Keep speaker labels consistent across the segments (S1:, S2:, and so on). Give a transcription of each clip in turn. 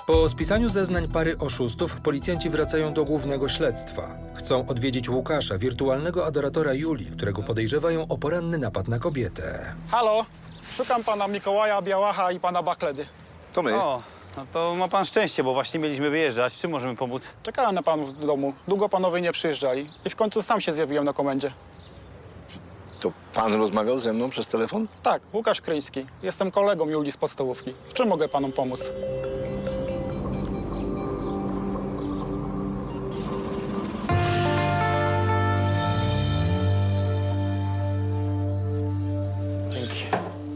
S1: Po spisaniu zeznań pary oszustów policjanci wracają do głównego śledztwa. Chcą odwiedzić Łukasza, wirtualnego adoratora Julii, którego podejrzewają o poranny napad na kobietę.
S2: Halo, szukam pana Mikołaja Białacha i pana Bakledy.
S3: To my.
S4: O, no to ma pan szczęście, bo właśnie mieliśmy wyjeżdżać. W czym możemy pomóc?
S2: Czekałem na panów w domu. Długo panowie nie przyjeżdżali i w końcu sam się zjawiłem na komendzie.
S3: To pan rozmawiał ze mną przez telefon?
S2: Tak, Łukasz Kryński. Jestem kolegą Julii z podstawówki. W czym mogę panom pomóc? Dzięki.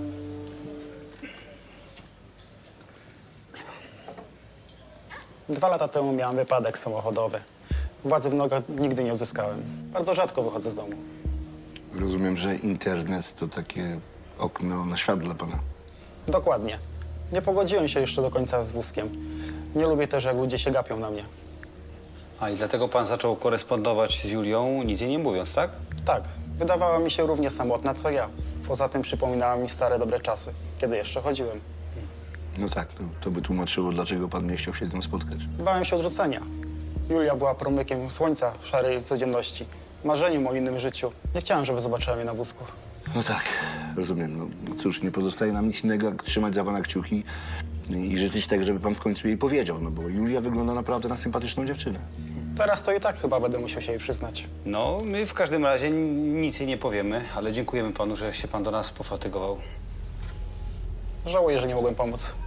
S2: Dwa lata temu miałem wypadek samochodowy. Władzy w nogach nigdy nie uzyskałem. Bardzo rzadko wychodzę z domu.
S3: Rozumiem, że internet to takie okno na świat dla pana.
S2: Dokładnie. Nie pogodziłem się jeszcze do końca z wózkiem. Nie lubię też, jak ludzie się gapią na mnie.
S4: A i dlatego pan zaczął korespondować z Julią, nic jej nie mówiąc, tak?
S2: Tak, wydawała mi się równie samotna, co ja. Poza tym przypominała mi stare, dobre czasy, kiedy jeszcze chodziłem.
S3: No tak, to by tłumaczyło, dlaczego pan nie chciał się z nią spotkać.
S2: Bałem się odrzucenia. Julia była promykiem słońca w szarej codzienności. Marzeniem o innym życiu. Nie chciałem, żeby zobaczyła mnie na wózku.
S3: No tak, rozumiem. No cóż, nie pozostaje nam nic innego, jak trzymać za pana kciuki i życzyć tak, żeby pan w końcu jej powiedział, no bo Julia wygląda naprawdę na sympatyczną dziewczynę.
S2: Teraz to i tak chyba będę musiał się jej przyznać.
S4: No, my w każdym razie nic jej nie powiemy, ale dziękujemy panu, że się pan do nas pofatygował.
S2: Żałuję, że nie mogłem pomóc.